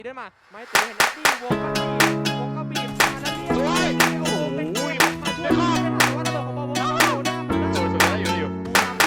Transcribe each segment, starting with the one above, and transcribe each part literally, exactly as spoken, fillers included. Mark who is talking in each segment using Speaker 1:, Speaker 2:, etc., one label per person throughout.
Speaker 1: เดินมาไม่ตีเห็นนักที่วงก็บีบวงก็บีบมาแล้วเรียบร้อยโอ้โหเป็นมาช่วยไม่ทันว่าระเบิดของบอลวงก็โดนหน้ามาแล้ว
Speaker 2: สุดสุดได้อยู่ได้อยู่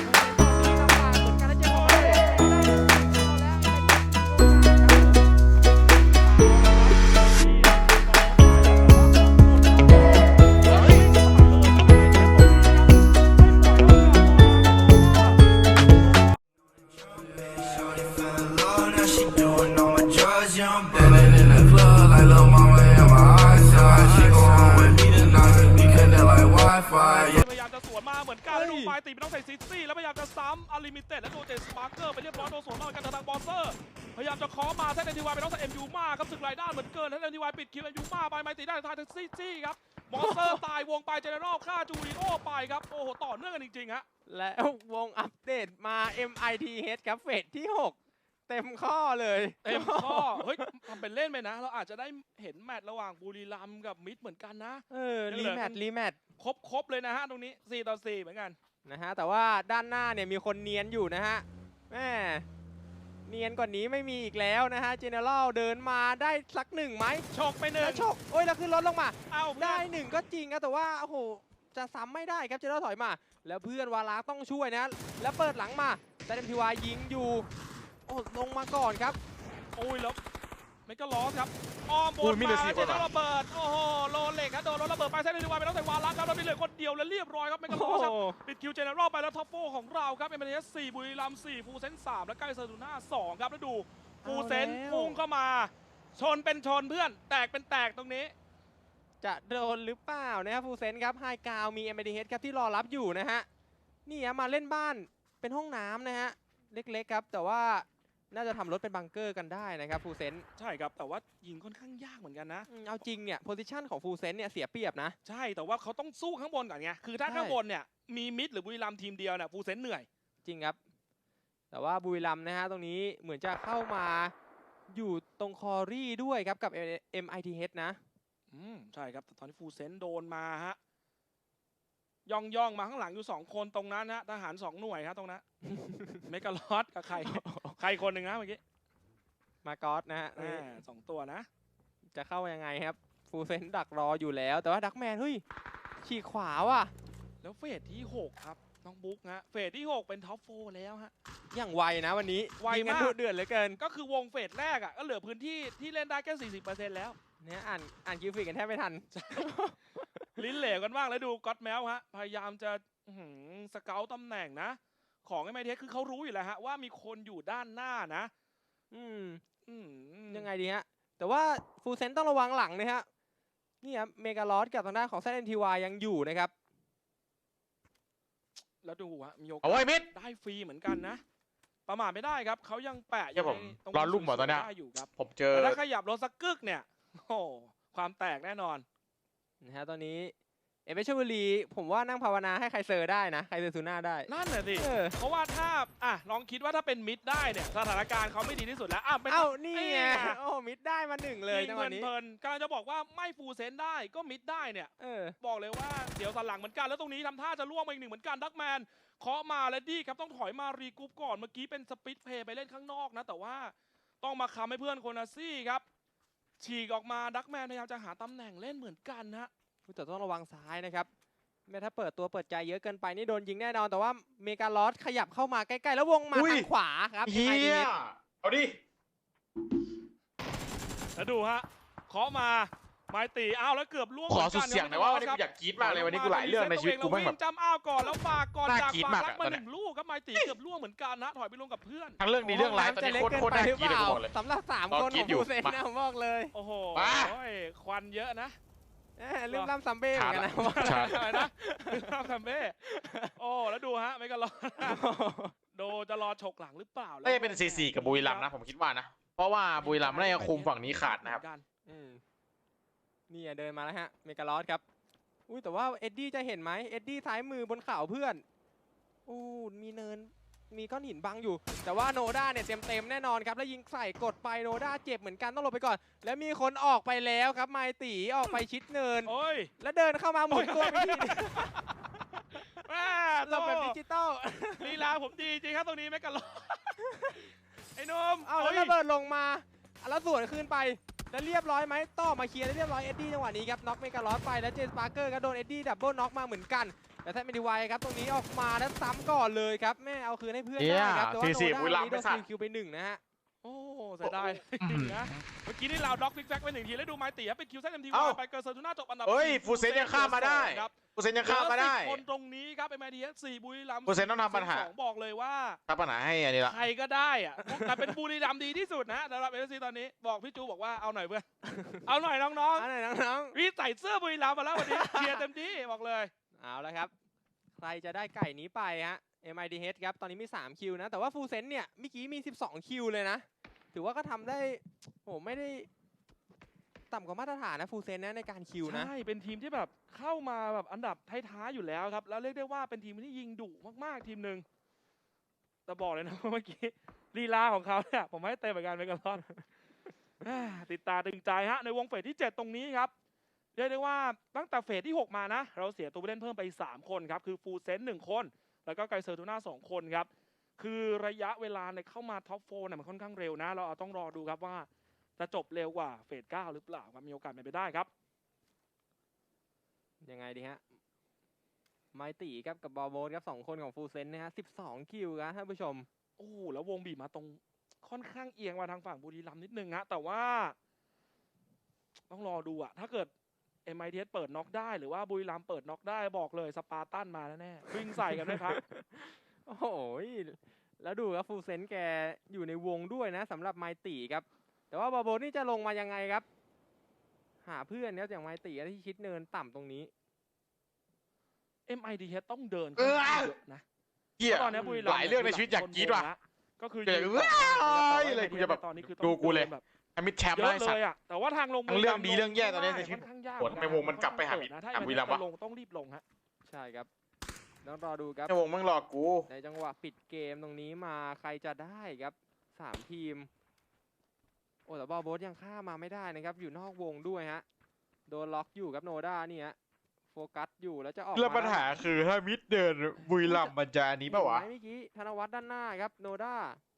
Speaker 3: พยายามจะสวนมาเหมือนกันแล้วดูไฟตีไม่ต้องใส่ซิตี้แล้วพยายามจะซ้ำอลิมิเต็ดและโดนเจสปาร์เกอร์ไปเรียบร้อยโดนสวนมากันทางบอสเซอร์พยายามจะเคาะมาแท่นเอ็นทีวายไปต้องใส่เอ็มยูมาครับศึกรายด้านเหมือนเกินแท่นเอ็นทีวายปิดคิวเอ็มยูมาไปไมตีได้ทางทางซิตี้ครับบอสเซอร์ตายวงไปเจเนอรัลฆ่าจูริโอไปครับโอ้โหต่อเนื่องกันจริงๆฮะ
Speaker 1: แล้ววงอัปเดตมา เอ็ม ไอ ที เอช ครับเฟสที่หกเต็มข้อเลย
Speaker 3: เต็มข้อเฮ้ยทำเป็นเล่นไปนะเราอาจจะได้เห็นแมตช์ระหว่างบุรีรัมย์กับมิดเหมือนกันนะ
Speaker 1: เออรีแมตช์รีแมตช์
Speaker 3: ครบครบเลยนะฮะตรงนี้สี่ต่อสี่เหมือนกัน
Speaker 1: นะฮะแต่ว่าด้านหน้าเนี่ยมีคนเนียนอยู่นะฮะแม่เนียนกว่านี้ไม่มีอีกแล้วนะฮะเจเนอรัลเดินมาได้สักหนึ่งไหม
Speaker 3: ฉกไปหนึ่ง
Speaker 1: ฉกโอ้ยแล้วขึ้นรถลงมา
Speaker 3: เอา
Speaker 1: ได้หนึ่งก็จริงนะแต่ว่าโอ้โหจะซ้ำไม่ได้ครับเจเนอรัลถอยมาแล้วเพื่อนวาลาต้องช่วยนะแล้วเปิดหลังมาแต่เอ็มทีวายยิงอยู่โอ้ลงมาก่อนครับ
Speaker 3: โอ้ยแล้วไม่ก็ล้อครับอ้อมบนมาเจนระเบิดโอ้โหโลเล็กครับโดนรถระเบิดไปเส้นเอ็นทีวายไปต้องใส่วาระครับแล้วมีเหลือคนเดียวแล้วเรียบร้อยครับไม่ก็ล้อครับปิดคิวเจเนอรัลไปแล้วท็อปโฟของเราครับเอ็มเอสสี่บุรีรัมย์สี่ฟูเซนสามและใกล้เซอร์ตูน่าสองครับแล้วดูฟูเซนพุ่งเข้ามาชนเป็นชนเพื่อนแตกเป็นแตกตรงนี้
Speaker 1: จะโดนหรือเปล่านะครับฟูเซนครับไฮกาวมี เอ็ม ไอ ที เอช ครับที่รอรับอยู่นะฮะนี่มาเล่นบ้านเป็นห้องน้ำนะฮะเล็กๆครับแต่ว่าน่าจะทำรถเป็นบังเกอร์กันได้นะครับฟูเซน
Speaker 3: ใช่ครับแต่ว่ายิงค่อนข้างยากเหมือนกันนะ
Speaker 1: เอาจริงเนี่ยโพซิชันของฟูเซนเนี่ยเสียเปรียบนะ
Speaker 3: ใช่แต่ว่าเขาต้องสู้ข้างบนก่อนไงคือถ้าข้างบนเนี่ยมีมิดหรือบุรีรัมย์ทีมเดียวเนี่ยฟูเซนเหนื่อย
Speaker 1: จริงครับแต่ว่าบุรีรัมย์นะฮะตรงนี้เหมือนจะเข้ามาอยู่ตรงคอรี่ด้วยครับกับ เอ็ม ไอ ที เอช นะ
Speaker 3: อืมใช่ครับแต่ตอนนี้ฟูเซนโดนมาฮะย่องย่องมาข้างหลังอยู่สองคนตรงนั้นฮะทหารสองหน่วยครับตรงนั้นเมกาลอสกับใครใครคนหนึ่งนะเมื่อกี้
Speaker 1: มากอสนะฮะ
Speaker 3: สองตัวนะ
Speaker 1: จะเข้ายังไงครับฟูเซนดักรออยู่แล้วแต่ว่าดักแมนเฮ้ยฉีกขวาว่ะ
Speaker 3: แล้วเฟสที่หกครับน้องบุ๊กฮะเฟสที่หกเป็นท็อปโฟร์แล้วฮะ
Speaker 1: อย่างไวนะวันนี้
Speaker 3: ไวมาก
Speaker 1: เดือดเหลือเกิน
Speaker 3: ก็คือวงเฟสแรกอ่ะก็เหลือพื้นที่ที่เล่นได้แค่ สี่สิบเปอร์เซ็นต์ แล้ว
Speaker 1: เนี่ยอ่านอ่านคิวฟิกกันแทบไม่ทัน
Speaker 3: ลิ้นเหลวกันบ้างแล้วดูก็อตแมวฮะพยายามจะสเกลตำแหน่งนะของไอ้ไมเทสคือเขารู้อยู่แล้วฮะว่ามีคนอยู่ด้านหน้านะ
Speaker 1: อืมอืมยังไงดีฮะแต่ว่าฟูเซนต้องระวังหลังนะฮะนี่ครับเมกาลอสกับทางด้านของเซนเอ็นทีวายยังอยู่นะครับ
Speaker 3: แล้วดูฮะมีโอกาสได้ฟรีเหมือนกันนะประมาทไม่ได้ครับเขายังแปะ
Speaker 2: อยู่ตรงรอลุ่มหมดตอนนี้ผมเจอ
Speaker 3: ถ้าขยับรถสักกึกเนี่ยโอ้ความแตกแน่นอน
Speaker 1: นะฮะตอนนี้เอเมชบุรีผมว่านั่งภาวนาให้ใครเซอร์ได้นะใครเซอร์ซูน่าได้
Speaker 3: นั่นแหละสิเพราะว่าถ้าอ่ะลองคิดว่าถ้าเป็นมิดได้เนี่ยสถานการณ์เขาไม่ดีที่สุดแล้วอ้าว
Speaker 1: เอ้านี่ไงโอ้มิดได้มาหนึ่งเลยจังหวะนี้
Speaker 3: เพลินๆกำลังจะบอกว่าไม่ฟูเซนได้ก็มิดได้เนี่ยเออบอกเลยว่าเดี๋ยวสันหลังเหมือนกันแล้วตรงนี้ทำท่าจะล่วงมาอีกหนึ่งเหมือนกันดักแมนเคาะมาและดี้ครับต้องถอยมารีกรุ๊ปก่อนเมื่อกี้เป็นสปิดเพย์ไปเล่นข้างนอกนะแต่ว่าต้องมาค้ำให้เพื่อนโคนาซี่ครับฉีกออกมาดักแมนพยายามจะหาตำแหน่งเล่นเหมือนกันฮะ
Speaker 1: แต่ต้องระวังซ้ายนะครับแม้ถ้าเปิดตัวเปิดใจเยอะเกินไปนี่โดนยิงแน่นอนแต่ว่าเมกาลอสขยับเข้ามาใกล้ๆแล้ววงมาทางขวาครับ
Speaker 2: เฮียเอาดิ
Speaker 3: แล้วดูฮะเคาะมาไม้ตีอ้าวแล้วเกือบล่วง
Speaker 2: ขอสุดเสียงหน่อยว่าวันนี้กูอยากกรี๊ดมากเลยวันนี้กูหลายเรื่องในชีวิตกูไม่แบบ
Speaker 3: จำอ้าวก่อนแล้วฝากก่อนจากฝากรักมาหนึ่งลูกครับไม้ตีเกือบล่วงเหมือนกันนะถอยไปลงกับเพื่อน
Speaker 2: ทั้งเรื่องนี้เรื่องร้ายตอนนี้โคตรโคตรน่ากรี๊ดเลย
Speaker 1: สำหรับสามคนของฟูเซนนะผมบอกเลย
Speaker 3: โอ้โหควันเยอะนะ
Speaker 1: ลืมล่ำซัมเบ้เหมือนกันนะ
Speaker 3: อะไรนะลืมล่ำซัมเบ้โอ้แล้วดูฮะไม่ก็รอโดจะรอฉกหลังหรือเปล่า
Speaker 2: น่าจะเป็นซีซีกับบุรีรัมย์นะผมคิดว่านะเพราะว่าบุรีรัมย์น่าจะคุมฝั่งนี้ขาดนะครับ
Speaker 1: นี่เดินมาแล้วฮะเมกาลอสครับอุ้ยแต่ว่าเอ็ดดี้จะเห็นไหมเอ็ดดี้ซ้ายมือบนเข่าเพื่อนอู้มีเนินมีก้อนหินบังอยู่แต่ว่าโนด้าเนี่ยเต็มเต็มแน่นอนครับแล้วยิงใส่กดไปโนด้าเจ็บเหมือนกันต้องหลบไปก่อนแล้วมีคนออกไปแล้วครับไมตีออกไปชิดเนินแล้วเดินเข้ามาหมุนตัวไปที่เราแบบดิจิตอล
Speaker 3: ลีลาผมดีจริงครับตรงนี้แมกกาลอไอ้นม
Speaker 1: เอาแล้วระเบิดลงมาแล้วสวนขึ้นไปแล้วเรียบร้อยไหมต่อมาเคลียร์ได้เรียบร้อยเอ็ดดี้จังหวะนี้ครับน็อกเมกาลอสไปแล้วเจนสปาร์เกอร์ก็โดนเอ็ดดี้ดับเบิลน็อกมาเหมือนกันแต่แท้ไม่ดีไวครับตรงนี้ออกมาแล้วซ้ำก่อนเลยครับแม่เอาคืนให้เพื่อนได้ครับแต่ว่าโนด้านี้โดนคิวไปหนึ่งนะฮะ
Speaker 3: โอ้เสียดายนะเมื่อกี้นี่เราด็อกฟิกแฟกไปหนึ่งทีแล้วดูไมตีเป็นคิวเซนเอ็มที
Speaker 2: เอ้า
Speaker 3: ไปเกิร์ลเซอร์ทูน่าจบอันดับ
Speaker 2: เฮ้ยฟูเซนยังข้ามมาได้
Speaker 3: ครับ
Speaker 2: ฟูเซนยังข้ามมาได้
Speaker 3: เหลือสิบคนตรงนี้ครับไอ้แมดีเอสสี่บุรีรัมย์
Speaker 2: ฟูเซนต้องทำปัญหา
Speaker 3: สองบอกเลยว่า
Speaker 2: ทำปัญหาให้อันนี้ละ
Speaker 3: ใครก็ได้อะแต่เป็นบุรีรัมย์ดีที่สุดนะสำหรับเอฟซีตอนนี้บอกพี่จูบอกว่าเอาหน่อยเพื่อนเอาหน่อยน้อง
Speaker 1: อันไหนน้อง
Speaker 3: ๆพี่ใส่เสื้อบุรีรัมย์มาแล้ววันนี้เชียร์เต็มที่บอกเลย
Speaker 1: ๆเอาแล้วครับใครจะได้ไก่นี้ไปฮะ เอ็ม ไอ ดี เอช ครับตอนนี้มีสามคิวนะแต่ว่าฟูเซนเนี่ยเมื่อกี้มีสิบสองคิวเลยนะถือว่าก็ทำได้โอ้ไม่ได้ต่ำกว่ามาตรฐานนะฟูเซนนะในการคิวนะ
Speaker 3: ใช่เป็นทีมที่แบบเข้ามาแบบอันดับท้ายๆอยู่แล้วครับแล้วเรียกได้ว่าเป็นทีมที่ยิงดุมากๆทีมหนึ่งแต่บอกเลยนะว่าเมื่อกี้ลีลาของเขาเนี่ยผมให้เต็มเหมือนกันไปกันรอน ติดตาตึงใจฮะในวงเฟสที่เจ็ดตรงนี้ครับเรียกได้ว่าตั้งแต่เฟสที่หกมานะเราเสียตัวผู้เล่นเพิ่มไปสามคนครับคือฟูเซนหนึ่งคนแล้วก็ไกเซอร์ทูน่าสองคนครับคือระยะเวลาในเข้ามาท็อปโฟร์เนี่ยมันค่อนข้างเร็วนะเราเอาต้องรอดูครับว่าจะจบเร็วกว่าเฟสเก้าหรือเปล่าครับมีโอกาสเป็นไปได้ครับ
Speaker 1: ยังไงดีฮะไมตีครับกับบอลโบสครับสองคนของฟูเซนนะฮะสิบสองคิวครับท่านผู้ชม
Speaker 3: โอ้โหแล้ววงบีบมาตรงค่อนข้างเอียงมาทางฝั่งบุรีรัมย์นิดนึงฮะแต่ว่าต้องรอดูอะถ้าเกิด เอ็ม ไอ ที เอส เปิดน็อกได้หรือว่าบุรีรัมย์เปิดน็อกได้บอกเลยสปาร์ตันมาแน่ๆวิ่งใส่กันไหมครับ
Speaker 1: โอ้โหแล้วดูครับฟูเซนแกอยู่ในวงด้วยนะสำหรับไมตีครับแต่ว่าบอลโบสนี่จะลงมายังไงครับหาเพื่อนครับอย่างไมตีที่ชิดเนินต่ำตรงนี้
Speaker 3: เอ็ม ไอ ที เอส ต้องเดินขึ้นเยอะนะ
Speaker 2: เหี้ย
Speaker 3: ตอนนี้บุรีรัมย์
Speaker 2: หลายเรื่องในชีวิตอยากกรี๊ดว่ะ
Speaker 3: ก็คือ
Speaker 2: เดี๋ยว
Speaker 3: ยืน
Speaker 2: เว้ย
Speaker 3: ต่อ
Speaker 2: เลยกูจะแบบ
Speaker 3: ตอนนี้คือ
Speaker 2: ดูกูเลย
Speaker 3: แบบ
Speaker 2: ไอ้มิดแชมป์
Speaker 3: เย
Speaker 2: ได้
Speaker 3: อะ
Speaker 2: สั
Speaker 3: เล
Speaker 2: ต
Speaker 3: ย
Speaker 2: ว์
Speaker 3: อะแต่ว่าทางลง
Speaker 2: ทั้งเรื่องดีเรื่องแย่ตอนนี้
Speaker 3: ไม่
Speaker 2: ในชีวิต
Speaker 3: ค่อนข้างยาก
Speaker 2: โหทำไมวงมันกลับไปหา
Speaker 3: นะถ้
Speaker 2: หาบุรีรัมย์วะ
Speaker 3: จะลงต้องรีบลงฮะ
Speaker 1: ใช่ครับต้องรอดูครับ
Speaker 2: ไอ้วงมึงหลอกกู
Speaker 1: ในจังหวะปิดเกมตรงนี้มาใครจะได้ครับสามทีมโอ้แต่บอลโบสยังฆ่ามาไม่ได้นะครับอยู่นอกวงด้วยฮะโดนล็อกอยู่ครับโนด้านี่ฮะโฟกัสอยู่แล้วจะออก
Speaker 2: แล้วปัญหาคือถ้ามิดเดินบุรีรัมย์มันจะอันนี้ปะวะ
Speaker 1: เห็นไหมเมื่อกี้ธนวัฒน์ด้านหน้าครับโนด้า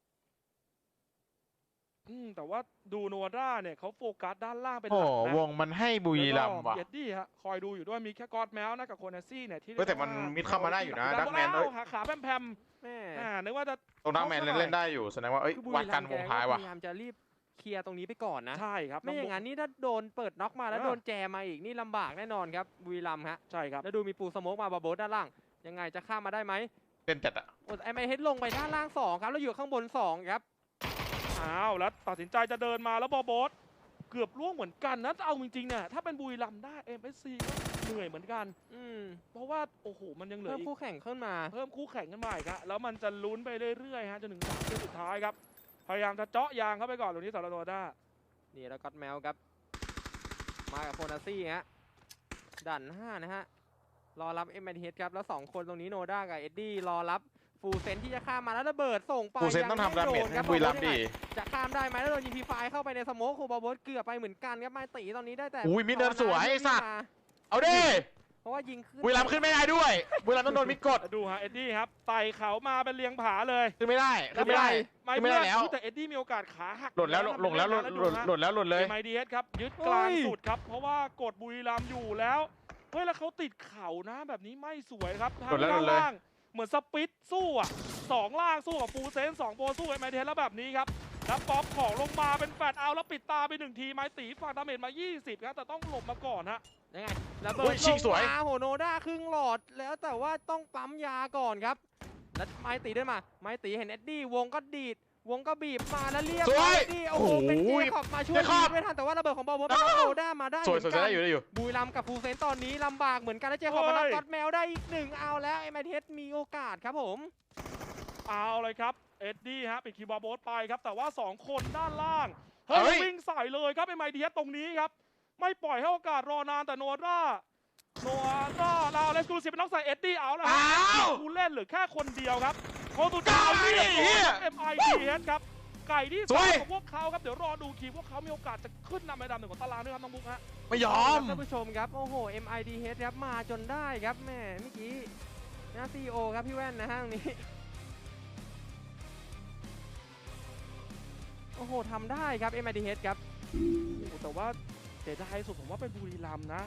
Speaker 3: อืมแต่ว่าดูโนวาร่าเนี่ยเขาโฟกัสด้านล่างเป็นห
Speaker 2: โอ้
Speaker 3: ลักนะ
Speaker 2: วงมันให้บุรีรัมย์ว่ะ
Speaker 3: เย็ดดี้ฮะคอยดูอยู่ด้วยมีแค่กอดแมวนะกับโคนาซี่เนี่ยที่
Speaker 2: เฮ้ยแต่มันมิดเข้ามาได้อยู่นะ
Speaker 3: ดั
Speaker 2: ดั
Speaker 3: ก
Speaker 2: ก
Speaker 3: แม
Speaker 2: แม
Speaker 3: น
Speaker 2: น
Speaker 3: เอ้
Speaker 2: เอ้ย
Speaker 3: หาขาแพม
Speaker 1: แม่
Speaker 3: ๆอ่านึกว่าจะ
Speaker 2: ตรงดักแมนเล่นเล่นได้อยู่แสดงว่าเอ้ย
Speaker 1: คือบุ
Speaker 2: วัด
Speaker 1: รี
Speaker 2: กั
Speaker 1: รั
Speaker 2: น
Speaker 1: มย์
Speaker 2: วง
Speaker 1: แก
Speaker 2: ท้าย
Speaker 1: ก็
Speaker 2: ว่ะ
Speaker 1: พยายามจะรีบเคลียร์ตรงนี้ไปก่อนนะ
Speaker 3: ใช่ครับ
Speaker 1: ไม่อย่างนั้นนี่ถ้าโดนเปิดน็อกมาแล้วโดนแจมาอีกนี่ลำบากแน่นอนครับบุรีรัมย์ฮะ
Speaker 3: ใช่ครับ
Speaker 1: แล้วดูมีปูสโมกมาบาโบสด้านล่างยังไงจะข้ามมาได้ไหม
Speaker 2: เป็นจัดอะ
Speaker 1: โอ้ไอไมเฮดลงไปด้านล่างสองครับแล้วอยู่ข้างบนสองครับ
Speaker 3: อ้าวแล้วตัดสินใจจะเดินมาแล้วบอโบสเกือบล่วงเหมือนกันนะเอาจริงๆเนี่ยถ้าเป็นบุรีรัมย์ได้ เอ็ม เอส ซี ก็เหนื่อยเหมือนกัน
Speaker 1: อืม
Speaker 3: เพราะว่าโอ้โหมันยังเหลื
Speaker 1: เพิ่
Speaker 3: อ
Speaker 1: ม
Speaker 3: อีก
Speaker 1: คู่แข่งขึ้นมา
Speaker 3: เพิ่มคู่แข่งกันมาอีกครับแล้วมันจะลุ้นไปเรื่อยๆฮะจนถึงสามเกมสุดท้ายครับพยายามจะเจาะยางเข้าไปก่อนตรงนี้สำหรับโนด้า
Speaker 1: นี่แล้วก็อตแมวครับมากับโคนาซี่ฮะดันห้านะฮะรอรับเอ็มไอทีเอสครับแล้วสองคนตรงนี้โนด้ากับเอ็ดดี้รอรับฟูเซนที่จะข้ามมาแล้วระเบิดส่งไป
Speaker 2: ฟูเซนต้องทำดาเมจให้บุรีรัมย์ดิ
Speaker 1: จะข้ามได้ไหมแล้วโดนยิงพีไฟเข้าไปในสโมคคูบาโบสเกือบไปเหมือนกันครับไมตีตอนนี้ได้แต่
Speaker 2: อุ้ยมิดเดินสวยไอ้สัตว์
Speaker 1: มา
Speaker 2: เอาดิ
Speaker 1: เพราะว่ายิงขึ้น
Speaker 2: บุรีรัมย์ขึ้นไม่ได้ด้วยบุรีรัมย์ต้องโดนมิดกด
Speaker 3: ดูฮะเอ็ดดี้ครับไต่เขามาเป็นเรียงผาเลย
Speaker 2: ขึ้นไม่ได้ขึ้นไม่ได้
Speaker 3: ไม่
Speaker 2: ขึ้นไม่
Speaker 3: เพื่
Speaker 2: ได้
Speaker 3: อน
Speaker 2: แล้ว
Speaker 3: อุ๊ยแต่เอ็ดดี้มีโอกาสขาหัก
Speaker 2: หล่นแล้วหล่นแล้วหล่นหล่นหล่นแล้วหล่นเลย
Speaker 3: เอ็มไอดีเอสครับยึดกลางสุดครับเพราะว่ากดบุรีรัมย์อยู่แล้วเฮ้ยแล้วเขาติดเข่านะแบบนี้ไม่สวยครับทาง
Speaker 2: หล่นแล้วหล่
Speaker 3: ด้าน
Speaker 2: นเลย
Speaker 3: ล่างเหมือนสปิดสู้อ่ะสองล่างสู้กับฟูเซนสองโปรสู้เอ็มไอดีเอสแล้วแบบนี้ครับแล้วป๊อปของลงมาเป็นแฟดเอาแล้วปิดตาไปหนึ่งทีไม้ตีฝากดาเมจมายี่สิบครับแต่ต้องหลบมาก่อนฮะ
Speaker 1: ยังไงระเบิ
Speaker 2: อุ้
Speaker 1: ด
Speaker 2: ยชิงสวย
Speaker 1: ลงมาโหโนด้าครึ่งหลอดแล้วแต่ว่าต้องปั๊มยาก่อนครับแล้วไมตีเดินมาไมตีเห็นเอ็ดดี้วงก็ดีดวงก็บีบมาแล้วเรียบ
Speaker 2: สวย
Speaker 1: เอ็ดดี้โอ้โหเป็นเจคอบมาช่วย
Speaker 2: เจคอบ
Speaker 1: ยิงไม่ทันแต่ว่าระเบิดของบอลบอลเป็นโนด้ามาได้
Speaker 2: สวย
Speaker 1: เห
Speaker 2: ส
Speaker 1: มื
Speaker 2: วย
Speaker 1: อน
Speaker 2: จะ
Speaker 1: กัน
Speaker 2: ได้อยู่ได้อยู่
Speaker 1: บุรีรัมย์กับฟูเซนตอนนี้ลำบากเหมือนกันแล้วเจคอบมารับก็อดแมวได้อีกหนึ่งเอาแล้วเอ็มไอทีเอสมีโอกาสครับผม
Speaker 3: เอาเลยครับเอ็ดดี้ฮะปิดคีย์บอร์ดโบสไปครับแต่ว่าสองคนด้านล่าง
Speaker 2: เฮ้
Speaker 3: เฮ้ย
Speaker 2: ย
Speaker 3: วิ่งใส่เลยครับไอ้ไมเดียสตรงนี้ครับไม่ปล่อยให้โอกาสรอนานแต่โนราโนราเราเลสกูสิเป็นน้องใส่เอ็ดดี้เอาแล้ว
Speaker 2: อ้าว
Speaker 3: ผู้เล่นเหลือแค่คนเดียวครับโคตูดาว
Speaker 2: ไก่
Speaker 3: เรียบร้อย
Speaker 2: เหี้ย
Speaker 3: เอ็มไอดีเอสครับไก่ที่
Speaker 2: ส
Speaker 3: ส
Speaker 2: ว
Speaker 3: อง
Speaker 2: ย
Speaker 3: ของพวกเขาครับเดี๋ยวรอดูคีย์พวกเขามีโอกาสจะขึ้นนำในดำหนึ่งของตารางด้วยครับน้องบุ๊กฮะ
Speaker 2: ไม่ยอม
Speaker 1: ท่านผู้ชมครับโอ้โห เอ็ม ไอ ดี เอช ครับมาจนได้ครับแม่เมื่อกี้นะซีโอครับพี่แว่นนะฮะตรงนี้โอ้โอ้โหทำได้ครับ เอ็ม ไอ ดี เอช ครับ
Speaker 3: โอ้โหแต่ว่าเสียดายสุดผมว่าเป็นบุรีรัมย์นะ